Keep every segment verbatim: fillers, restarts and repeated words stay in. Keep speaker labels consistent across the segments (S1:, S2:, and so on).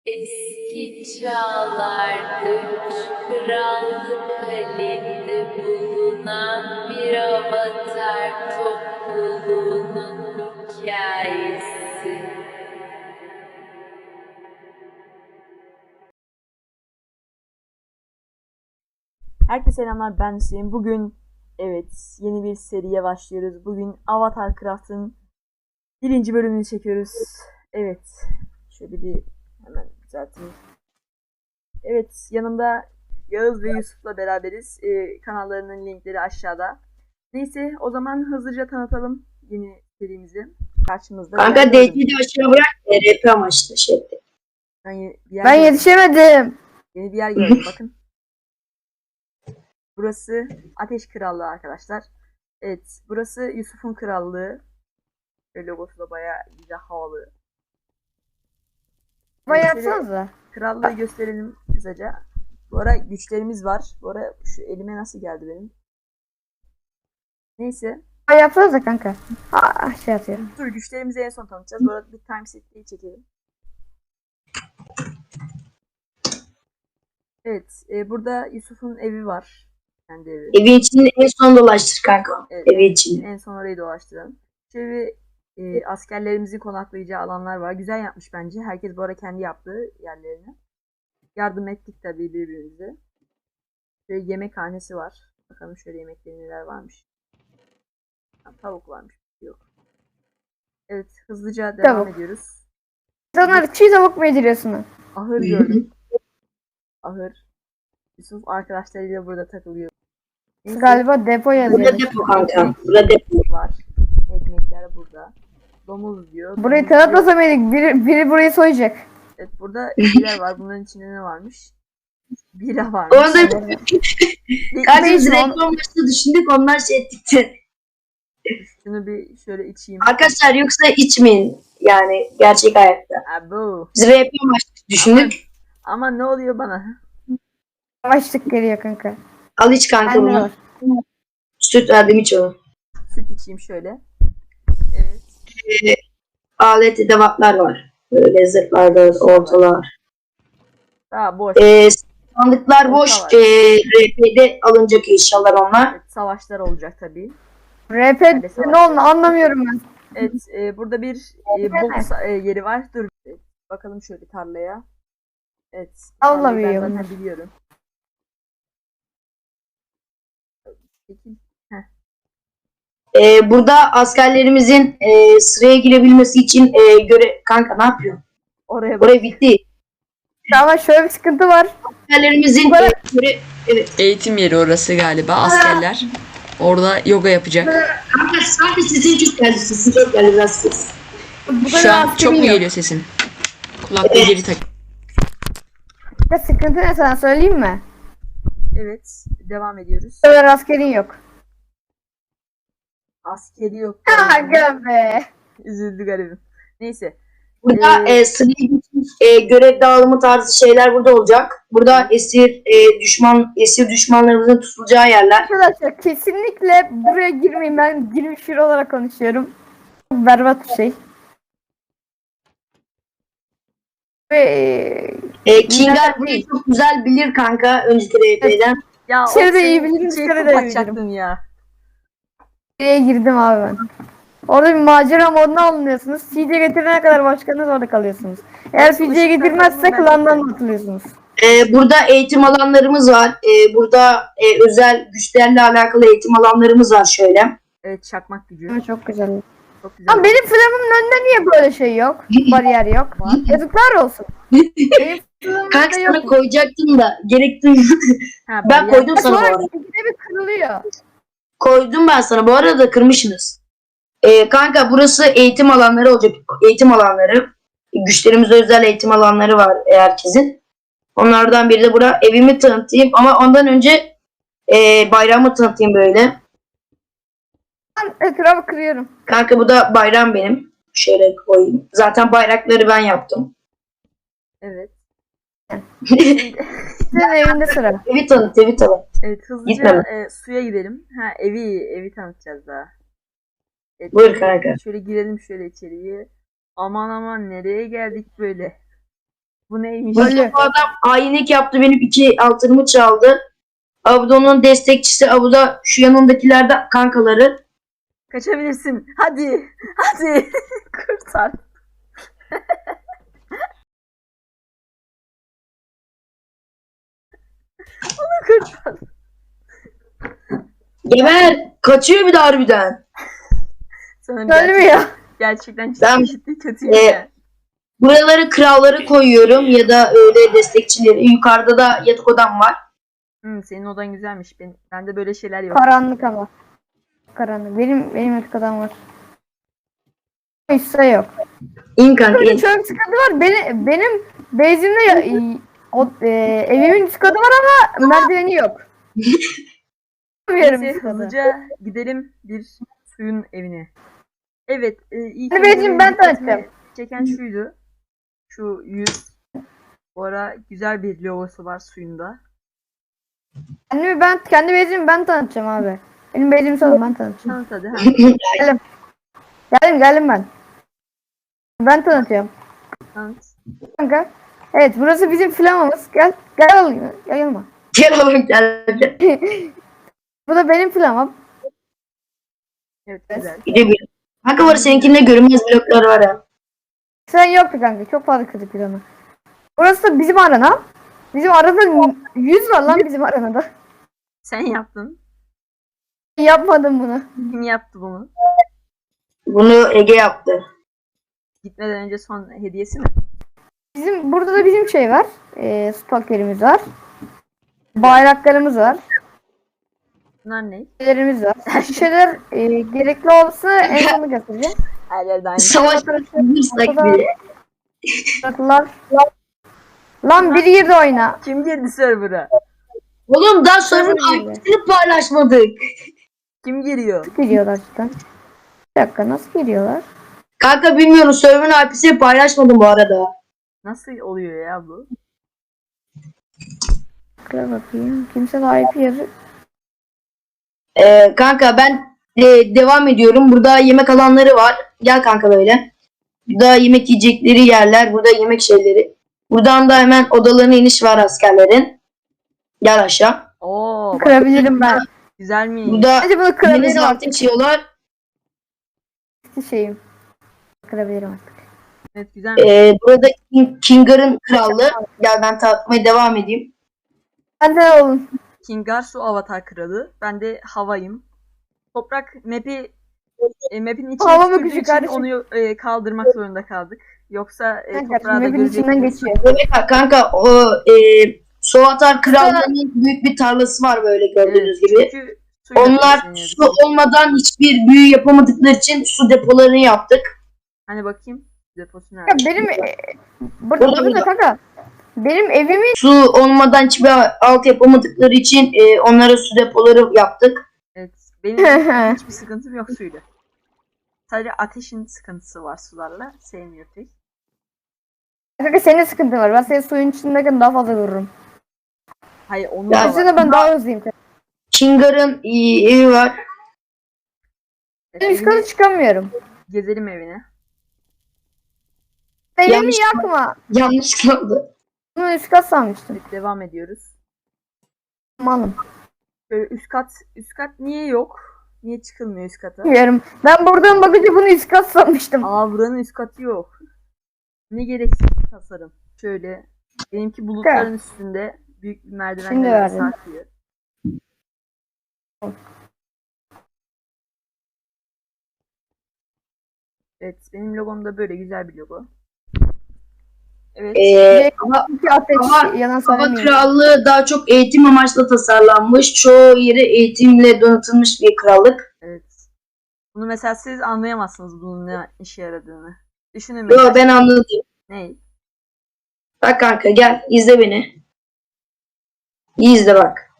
S1: Eski çağlarda üç krallık halinde bulunan bir avatar topluluğunun hikayesi.
S2: Herkese selamlar, ben Hüseyin. Bugün evet yeni bir seriye başlıyoruz. Bugün Avatar Craft'ın birinci bölümünü çekiyoruz. Evet, şöyle bir hemen düzelteyim. Evet, yanımda Yağız ve Yusuf'la beraberiz. Ee, kanallarının linkleri aşağıda. Neyse, o zaman hızlıca tanıtalım yeni serimizi. Karşımızda.
S3: Kanka D C'yi de aşağı bırak. R P amaçlı şey.
S2: Ben, ye- bir yer
S4: Ben
S2: gördüm.
S4: yetişemedim.
S2: Yeni bir yer gördüm, bakın. Burası Ateş Krallığı arkadaşlar. Evet, burası Yusuf'un krallığı. Ve logosu da bayağı güzel, havalı.
S4: Bana
S2: Evet, şöyle
S4: yapsanıza.
S2: krallığı gösterelim kısaca. Bu ara güçlerimiz var. Bu ara şu elime nasıl geldi benim? Neyse.
S4: Bana yapsanıza kanka. Aa, şey atıyorum.
S2: Dur, güçlerimizi en son tanıtacağız. Bu arada bir time setliği çekelim. Evet, e, burada Yusuf'un evi var. Kendi evi.
S3: Evin içinde en son dolaştır kanka.
S2: Evet,
S3: Evin içinde.
S2: en son orayı dolaştıralım. Şöyle e, askerlerimizin konaklayacağı alanlar var. Güzel yapmış bence. Herkes bu ara kendi yaptığı yerlerine. Yardım ettik tabii birbirimize. Şöyle yemekhanesi var. Bakalım şöyle yemekleri neler varmış. Ha, tavuk varmış. Yok. Evet, hızlıca devam
S4: Tavuk.
S2: ediyoruz.
S4: İnsanlar çiğ tavuk mu yediriyorsunuz?
S2: Ahır gördüm. Ahır. Yusuf arkadaşlarıyla burada takılıyor. Neyse,
S4: Galiba depo yazıyor.
S3: Burada depo kanka. Burada depo.
S2: var. Ekmekler burada. Domuz diyor.
S4: Burayı
S2: Domuz
S4: tanıtmasa mıydık? Biri, biri burayı soyacak.
S2: Evet, burada şeyler var. Bunların içinde ne varmış? Bira varmış.
S3: Orada
S2: Bir-
S3: kanka
S2: bir-
S3: biz reklam başta düşündük onlar şey ettik.
S2: Şunu bir şöyle içeyim.
S3: Arkadaşlar yoksa içmeyin. Yani gerçek hayatta.
S2: Abo.
S3: Biz R P amaçlı düşündük.
S2: Ama ne oluyor bana?
S4: Yavaşlık geliyor kanka.
S3: Al iç kanka
S4: Bende
S3: bunu.
S4: var.
S3: Süt verdim iç onu.
S2: Süt içeyim şöyle. Evet.
S3: Alet edevatlar var. Böyle zırhlarda ortalar.
S2: Daha boş.
S3: Ee, sandıklar boş.
S2: Orta
S3: Ee,
S2: var.
S3: R P'de alınacak eşyalar onlar.
S2: Evet, savaşlar olacak tabii.
S4: R P ne oldu anlamıyorum ben.
S2: Evet, e, burada bir e, bok sa- e, yeri var. Dur. e, Bakalım şöyle tarlaya. Evet.
S4: Allah
S2: tarlayı ben
S4: biliyor
S2: zaten
S4: bunu.
S2: biliyorum. Peki.
S3: Ee, burada askerlerimizin e, sıraya girebilmesi için e, göre kanka ne yapıyor?
S2: Oraya bak.
S3: Oraya bitti.
S4: Ama şöyle bir sıkıntı var.
S3: Askerlerimizin e, göre evet.
S5: Eğitim yeri orası galiba, askerler. Orada yoga yapacak.
S3: Kanka sanki sesin çok geldi. Sesin çok geldi biraz ses.
S4: Bu
S5: Şu
S4: kadar
S5: an çok
S4: askerim
S5: mu
S4: yok.
S5: geliyor sesin? Kulaklığı geri tak.
S4: Ya sıkıntı ne sana söyleyeyim mi?
S2: Evet. Devam ediyoruz.
S4: Bu kadar askerin yok.
S2: Askeri yok.
S4: Aga be.
S2: Üzüldü garibim. Neyse.
S3: Burada
S2: Ee,
S3: e, sıraya geçmiş e, görev dağılımı tarzı şeyler burada olacak. Burada esir e, düşman esir düşmanlarımızın tutulacağı yerler.
S4: Arkadaşlar kesinlikle buraya girmeyin. Ben girmiş biri olarak konuşuyorum. Çok berbat bir şey. Ve
S3: E, Kingar
S4: İnternet
S3: burayı
S4: değil.
S3: çok güzel bilir kanka önceki R P'den.
S2: ya o
S4: İçeri de iyi
S2: senin
S4: bilirim,
S2: içeri
S4: dışarı da iyi
S2: kapatacaktın ya.
S4: buraya girdim abi ben. Orada bir macera moduna alınıyorsunuz. C D getirene kadar başkanınız orada kalıyorsunuz. Eğer C D getirmezse klandan atılıyorsunuz.
S3: E, burada eğitim alanlarımız var. E, burada e, özel güçlerle alakalı eğitim alanlarımız var şöyle.
S2: Evet, çakmak gücü.
S4: Ama çok güzel.
S2: Çok güzel.
S4: Ama benim flamımın önünde niye böyle şey yok? Bariyer yok. Yazıklar olsun. Benim flamımın
S3: Kanka
S4: önünde
S3: sana
S4: yok.
S3: koyacaktım da gerekti.
S2: Ha,
S3: Ben
S2: bariyer-
S3: koydum sana bu
S4: Sonra
S3: arada.
S4: ikide bir kırılıyor.
S3: Koydum ben sana. Bu arada kırmışsınız. Ee, kanka burası eğitim alanları olacak. Eğitim alanları. Güçlerimizde özel eğitim alanları var herkesin. Onlardan biri de bura. Evimi tanıtayım ama ondan önce e, bayramı tanıtayım böyle.
S4: Ben etrafı kırıyorum.
S3: Kanka bu da bayram benim. Şöyle koyayım. Zaten bayrakları ben yaptım.
S2: Evet.
S4: Senin evinde sıra.
S3: Evi tanıt, evi tanıt.
S2: Evet, hızlıca
S3: Gitmem.
S2: e, suya gidelim. Ha, evi evi tanıtacağız daha. Evet,
S3: Buyur
S2: şöyle-
S3: kanka.
S2: Şöyle girelim şöyle içeriye. Aman aman, nereye geldik böyle? Bu neymiş?
S3: Bu
S4: Öyle.
S3: adam hainlik yaptı. Benim iki altınımı çaldı. Abi de onun destekçisi. Abi da şu yanındakilerde kankaları.
S2: Kaçabilirsin. Hadi. Hadi. Kurtar. Onu kurtar.
S3: Geber. Kaçıyor bir de harbiden.
S2: Sanırım
S4: Ölmüyor.
S2: gerçekten
S3: Ben-
S2: ciddi ciddi kötüyüm
S3: Ee,
S2: ya.
S3: Buraları kralları koyuyorum ya da öyle destekçileri. Yukarıda da yatak odam var.
S2: Hmm, senin odan güzelmiş. Ben, bende böyle şeyler yok.
S4: Karanlık ama. Karanlık. Benim benim yatak odam var. Hiçse yok.
S3: İn kanka
S4: Böyle
S3: in.
S4: çok sıkıntı var. Benim benim bezimde ya- o, e, evimin üst katı var ama merdiveni yok. Bilmiyorum
S2: Neyse
S4: üst katı.
S2: hızlıca gidelim bir suyun evine. Evet. E, ilk
S4: Hadi
S2: önce
S4: Beyciğim,
S2: benim
S4: ben
S2: dikkatimi
S4: tanıtacağım.
S2: çeken şuydu. Şu yüz. Bu ara güzel bir logosu var suyunda.
S4: Kendimi ben kendi bezimi ben tanıtacağım abi. Benim bezimi sorun ben tanıtacağım.
S2: Tanıt hadi. Ha.
S4: Geldim. Geldim geldim ben. Ben tanıtıyorum.
S2: Tanıt.
S4: Kanka. Evet burası bizim flamamız. Gel. Gel alayım. Gel yanıma.
S3: Gel oğlum gel. gel.
S4: Bu da benim flamam.
S2: Evet güzel.
S3: Gidebilirim. Kanka var seninkinde görünmez bloklar var ya.
S4: Sen yoktu kanka. Çok fazla kırdık biz onu. Burası da bizim arana. Bizim arada yüz var lan bizim aranada.
S2: Sen yaptın.
S4: Yapmadım bunu.
S2: Kim yaptı bunu?
S3: Bunu Ege yaptı.
S2: Gitmeden önce son hediyesi mi?
S4: Bizim burada da bizim şey var. E, stalkerimiz var. Bayraklarımız var.
S2: Bunlar ne?
S4: Şeylerimiz var. Şişeler e, gerekli olsa en sonunda göstereceğim.
S2: Her yerde aynı.
S3: Savaş bilirsak
S4: Ortada-
S3: bile.
S4: Bakırlar. Lan biri girdi oyuna.
S2: Kim girdi server'a?
S3: Oğlum daha sonra
S4: Söyle.
S3: aykırısını paylaşmadık.
S2: Kim giriyor?
S4: Geliyorlar cidden. Bir dakika nasıl geliyorlar?
S3: Kanka bilmiyorum server'ın I P'sini paylaşmadım bu arada.
S2: Nasıl oluyor ya bu?
S4: Bakıra bakayım. Kimse de I P yazı.
S3: Ee, kanka ben e, devam ediyorum. Burada yemek alanları var. Gel kanka böyle. Burada yemek yiyecekleri yerler. Burada yemek şeyleri. Buradan da hemen odalarına iniş var askerlerin. Gel aşağı.
S2: Oo bak
S4: Kırabilirim ben.
S2: güzelmiş.
S3: Burada
S4: Hadi bunu
S3: deniz
S4: kırabilirim
S3: altı
S4: artık.
S3: içiyorlar.
S4: Şeyim. Kırabilirim artık.
S2: Evet güzelmiş.
S3: Ee, burada King- Kingar'ın krallığı. Gel ben tanıtmaya devam edeyim.
S4: Hadi oğlum.
S2: Kingar su avatar kralı. Ben de havayım. Toprak map'i e, map'in içine
S4: Hava mı
S2: tükürdüğü
S4: küçük
S2: için
S4: kardeşim?
S2: onu e, kaldırmak zorunda kaldık. Yoksa e,
S4: Kanka
S2: toprağı da
S4: map'in içinden
S2: göreceksiniz.
S4: geçiyor.
S3: Evet kanka o e, Sovatar krallığının büyük bir tarlası var böyle gördüğünüz
S2: Evet,
S3: gibi.
S2: çünkü suyla
S3: Onlar
S2: besleniyoruz.
S3: su olmadan hiçbir büyü yapamadıkları için su depolarını yaptık.
S2: Hani bakayım deposu nerede?
S4: Kanka benim e, burada,
S3: Burada,
S4: burada
S3: burada.
S4: kanka. Benim evimin
S3: Su olmadan hiçbir alt yapamadıkları için e, onlara su depoları yaptık.
S2: Evet. Benim hiçbir sıkıntım yok suyla. Sadece ateşin sıkıntısı var sularla. Sevmiyor pek.
S4: kanka senin sıkıntın var. Ben senin suyun içindeyken daha fazla vururum.
S2: Hayır onun
S3: Ya
S2: da
S4: Aslında
S2: var.
S4: ben daha hızlıyım. kanka.
S3: Kingar'ın e, evi var.
S2: Evet,
S4: Ben üst
S2: evini
S4: kata çıkamıyorum.
S2: gezelim evine.
S4: Evimi
S3: Yanlış-
S4: yakma.
S3: Yanlış kaldı.
S4: Bunu üst kat sanmıştım.
S2: Evet, devam ediyoruz.
S4: Malım.
S2: Böyle üst kat, üst kat niye yok? Niye çıkılmıyor üst kata?
S4: Bilmiyorum. Ben buradan bakınca bunu üst kat sanmıştım.
S2: Aa buranın üst katı yok. Ne gereksiz bir tasarım. Şöyle benimki bulutların üstünde büyük bir
S4: Şimdi
S2: merdivenle
S4: verdim.
S2: sarkıyor. Evet benim logom da böyle güzel bir logo. Evet.
S3: E, hava,
S4: İki ateş
S3: Ama-
S4: yalan
S3: hava
S4: söylemiyorum.
S3: krallığı daha çok eğitim amaçlı tasarlanmış. Çoğu yeri eğitimle donatılmış bir krallık.
S2: Evet. Bunu mesela siz anlayamazsınız bunun ne işe yaradığını. Düşünün
S3: Yo
S2: mesela.
S3: ben anladım.
S2: Ne?
S3: Bak kanka gel izle beni. İyi izle bak.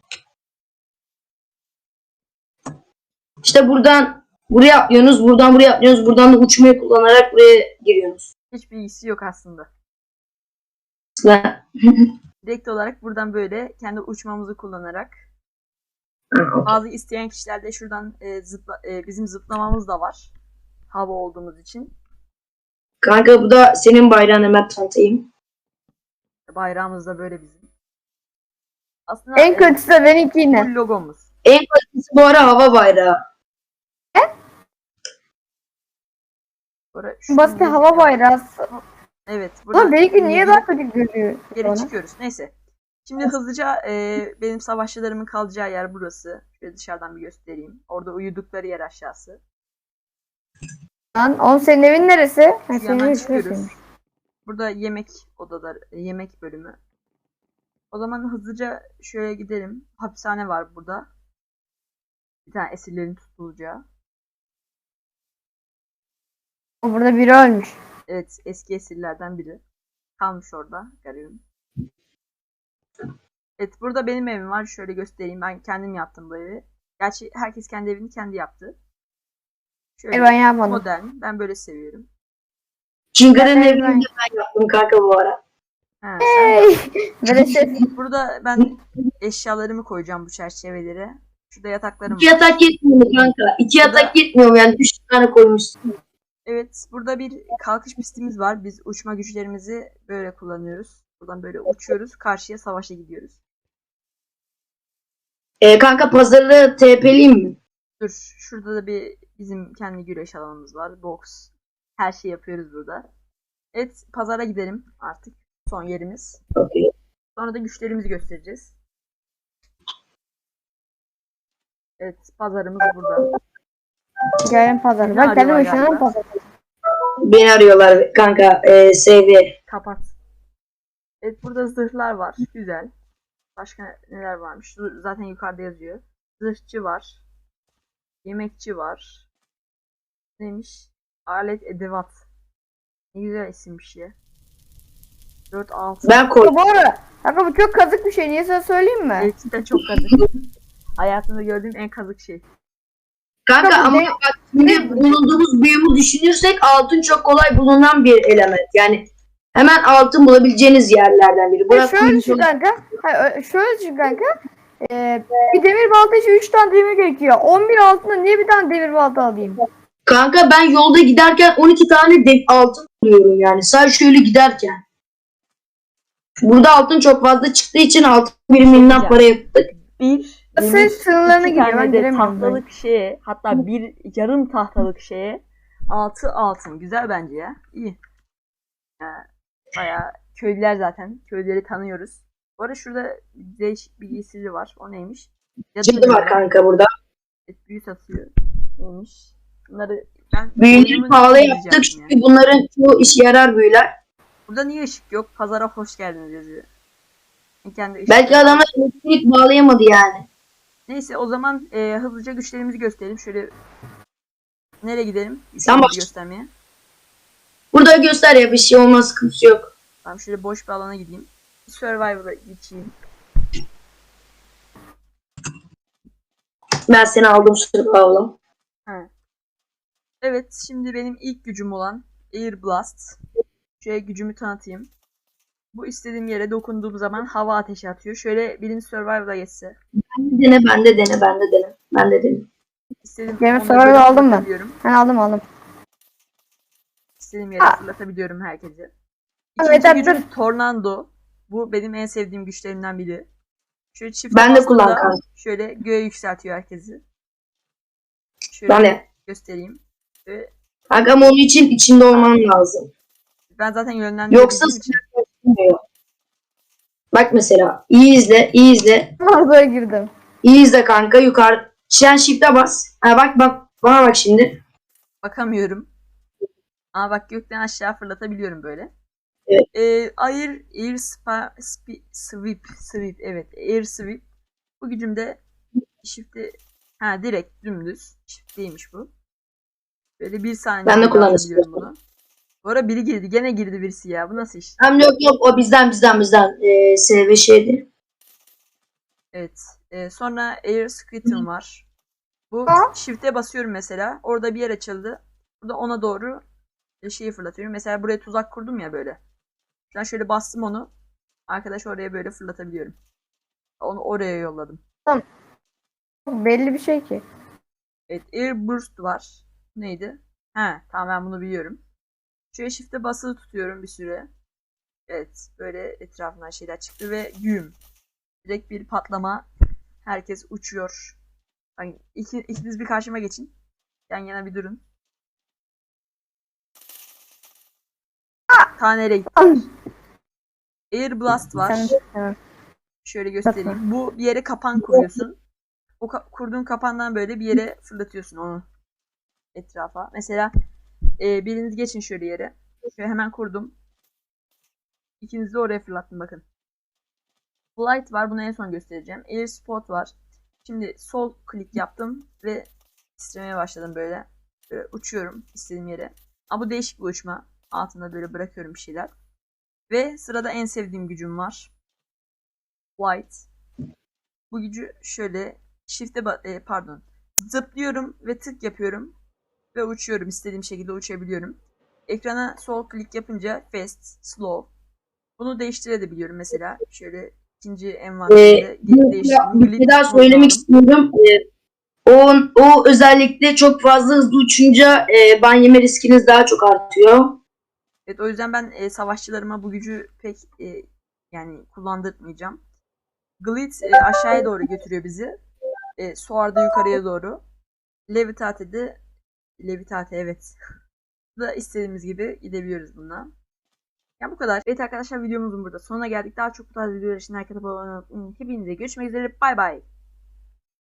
S3: İşte buradan buraya atlıyorsunuz, buradan buraya atlıyorsunuz, buradan da uçmayı kullanarak buraya giriyorsunuz.
S2: Hiçbir ilgisi yok aslında.
S3: Aslında-
S2: Direkt olarak buradan böyle kendi uçmamızı kullanarak bazı isteyen kişilerde şuradan e, zıpla, e, bizim zıplamamız da var. Hava olduğumuz için.
S3: Kanka bu da senin bayrağın hemen tanıtayım.
S2: Bayrağımız da böyle bizim. Aslında
S4: En
S2: e,
S4: kötüsü de benimki yine.
S2: full logomuz.
S3: En kötüsü bu ara hava bayrağı.
S2: Sonra
S4: Basit
S2: şunu
S4: hava bayrağı.
S2: Evet.
S4: Ulan
S2: Burada
S4: benimki niye
S2: geri-
S4: daha kötü görüyor?
S2: geri
S4: bana?
S2: çıkıyoruz. Neyse. Şimdi hızlıca e, benim savaşçılarımın kalacağı yer burası. Şöyle dışarıdan bir göstereyim. Orada uyudukları yer aşağısı.
S4: Lan oğlum senin evin neresi? Ha,
S2: Şu
S4: senin
S2: yandan
S4: evin
S2: çıkıyoruz.
S4: şurası.
S2: Burada yemek odaları, yemek bölümü. O zaman hızlıca şöyle gidelim. Hapishane var burada. Bir tane esirlerin tutulacağı.
S4: Burada biri ölmüş.
S2: Evet, eski esirlerden biri. Kalmış orada. Garibim. Evet, burada benim evim var. Şöyle göstereyim. Ben kendim yaptım bu evi. Gerçi herkes kendi evini kendi yaptı. Şöyle
S4: E ben yapmadım.
S2: modern. Ben böyle seviyorum.
S3: Çingır'ın
S4: Ben-
S3: evini de ben yaptım kanka bu ara.
S2: Ha, sen
S4: Böyle ses.
S2: burada ben eşyalarımı koyacağım bu çerçevelere. Şurada yataklarım
S3: İki
S2: var.
S3: yatak yetmiyor mu kanka? İki
S2: Burada-
S3: yatak yetmiyor mu yani? Üç tane koymuşsun.
S2: Evet, burada bir kalkış pistimiz var. Biz uçma güçlerimizi böyle kullanıyoruz. Buradan böyle uçuyoruz. Karşıya savaşa gidiyoruz.
S3: Ee, kanka pazarı T P'liyim mi?
S2: Dur, şurada da bir bizim kendi güreş alanımız var. Boks. Her şeyi yapıyoruz burada. Evet, pazara gidelim artık. Son yerimiz.
S3: Okey.
S2: Sonra da güçlerimizi göstereceğiz. Evet, pazarımız burada.
S4: Gelin pazarı.
S2: Ne
S4: Ben kendim
S2: arıyorlar
S4: yaşanan
S2: galiba?
S4: pazarı.
S3: Beni arıyorlar kanka. E, seviye.
S2: Kapat. Evet, burada zırhlar var. Güzel. Başka neler varmış? Dur, zaten yukarıda yazıyor. Zırhçı var. Yemekçi var. Neymiş? Alet edevat. Ne güzel isimmiş ya. dört altı.
S3: Ben koydum.
S4: Bu arada. Kanka bu çok kazık bir şey. Niye sana söyleyeyim mi?
S2: Gerçekten çok kazık. Hayatımda gördüğüm en kazık şey.
S3: Kanka
S4: Kanka,
S3: ama
S4: ne-
S3: bak şimdi bulunduğumuz büyümü düşünürsek altın çok kolay bulunan bir element. Yani hemen altın bulabileceğiniz yerlerden biri.
S4: Ha,
S3: Bırak
S4: şöyle düşün
S3: kuyumculuk-
S4: kanka. Ha, ö- şöyle düşün kanka. Ee, bir demir balta için üç tane demir gerekiyor. on bir altında niye bir tane demir balta alayım?
S3: Kanka ben yolda giderken on iki tane de altın buluyorum yani. Sadece şöyle giderken. Burada altın çok fazla çıktığı için altın biriminden para yaptık.
S2: Bir,
S4: Senin
S2: demir,
S4: sınırlarına
S2: iki
S4: giriyor, ben
S2: tane de
S4: giremiyorum ben.
S2: tahtalık şeye, hatta bir yarım tahtalık şeye altı altın. Güzel bence ya. İyi. Ya, bayağı köylüler zaten. Köylüleri tanıyoruz. Bu arada şurada değişik bir giysili var. O neymiş?
S3: Cadı var kanka burada.
S2: Evet, büyü satıyor. Neymiş? Bunları ben
S3: Büyüleri
S2: oyunumu
S3: pahalı
S2: deneyeceğim
S3: yaptık
S2: ya.
S3: çünkü bunların çoğu işe yarar büyüler.
S2: Burada niye ışık yok? Pazara hoş geldiniz yazıyor. Kendi ışık
S3: Belki
S2: yok.
S3: adamlar elektrik bağlayamadı yani.
S2: Neyse o zaman e, hızlıca güçlerimizi gösterelim. Şöyle nereye gidelim?
S3: Sen
S2: Güçlerimizi
S3: baş.
S2: göstermeye.
S3: Burada göster ya bir şey olmaz sıkıntı yok.
S2: Tamam şöyle boş bir alana gideyim. Bir Survivor'a geçeyim.
S3: Ben seni aldım sırf
S2: Ha. Evet şimdi benim ilk gücüm olan Air Blast. Şöyle gücümü tanıtayım. Bu istediğim yere dokunduğum zaman hava ateşi atıyor. Şöyle birinci Survivor'a geçse.
S3: Dene ben de dene ben de dene. Ben de dene.
S2: İstediğim
S4: Game
S2: onları
S4: Survivor
S2: böyle
S4: aldın mı?
S2: fırlatabiliyorum.
S4: Ben aldım aldım.
S2: İstediğim yere
S4: Ha.
S2: fırlatabiliyorum herkese.
S4: Evet,
S2: İkinci
S4: evet,
S2: gücüm
S4: dur.
S2: Tornado. Bu benim en sevdiğim güçlerimden biri. Şöyle çift
S3: Ben de
S2: bastığımda
S3: kullan kanka.
S2: şöyle göğe yükseltiyor herkesi. Şöyle
S3: Ben de.
S2: göstereyim. Ve
S3: Kanka ama onun için içinde olman lazım.
S2: ben zaten yönlendirdiğim
S3: Yoksa
S2: için
S3: Bilmiyor. Bak mesela iyi izle iyi izle.
S4: Mağazaya girdim.
S3: İyi izle kanka yukarı. Sen shift'e bas. Ha bak bak bana bak şimdi.
S2: bakamıyorum. Ama bak gökten aşağı fırlatabiliyorum böyle.
S3: Evet.
S2: Ee, air, air spa, spi- sweep, sweep, evet, air sweep. Bu gücümde shift'i, ha direkt dümdüz. Shift değilmiş bu. Böyle bir saniye
S3: Ben de
S2: boyunca
S3: kullanmak
S2: alabiliyorum
S3: istiyorum.
S2: bunu. Bu ara biri girdi. Gene girdi birisi ya. Bu nasıl iş?
S3: Hem yok yok o bizden bizden bizden. Ee, S V şeydi.
S2: Evet. Ee, sonra Air Squirtle var. Bu
S4: Ha?
S2: shift'e basıyorum mesela. Orada bir yer açıldı. Burada ona doğru şeyi fırlatıyorum. Mesela buraya tuzak kurdum ya böyle. Ben şöyle bastım onu. Arkadaş oraya böyle fırlatabiliyorum. Onu oraya yolladım.
S4: Belli bir şey ki.
S2: Evet. Air Burst var. Neydi? He, tamam ben bunu biliyorum. Şöyle shift'e basılı tutuyorum bir süre. Evet, böyle etrafından şeyler çıktı ve güm. Direkt bir patlama. Herkes uçuyor. Hani iki, ikiniz bir karşıma geçin. Yan yana bir durun. Tanere gitti. Air Blast var.
S4: Sen, evet.
S2: Şöyle göstereyim. Bu bir yere kapan kuruyorsun. O ka- kurduğun kapandan böyle bir yere fırlatıyorsun onu etrafa. Mesela e, biriniz geçin şöyle yere. Şöyle hemen kurdum. İkiniz de oraya fırlattım bakın. Flight var. Bunu en son göstereceğim. Air Spot var. Şimdi sol klik yaptım ve titremeye başladım böyle. Böyle uçuyorum istediğim yere. Ama bu değişik bir uçma. Altında böyle bırakıyorum bir şeyler. Ve sırada en sevdiğim gücüm var. Flight. Bu gücü şöyle shift'e e, pardon zıplıyorum ve tık yapıyorum ve uçuyorum. İstediğim şekilde uçabiliyorum. Ekrana sol klik yapınca fast, slow. Bunu değiştirebiliyorum mesela. Şöyle ikinci envanterinde
S3: Ee,
S2: gelip
S3: bir,
S2: değiştirdim.
S3: bir şey daha söylemek istiyorum. Ee, o, o özellikle çok fazla hızlı uçunca e, ban yeme riskiniz daha çok artıyor.
S2: Evet, o yüzden ben e, savaşçılarıma bu gücü pek e, yani kullandırmayacağım. Glitz e, aşağıya doğru götürüyor bizi. E, Soar da yukarıya doğru. Levitate de Levitate evet. da istediğimiz gibi gidebiliyoruz bununla. Yani bu kadar. Evet arkadaşlar, videomuzun burada sonuna geldik. Daha çok bu tarz videolar için herkese abone olmayı unutmayın. Hepinize görüşmek üzere. Bay bay.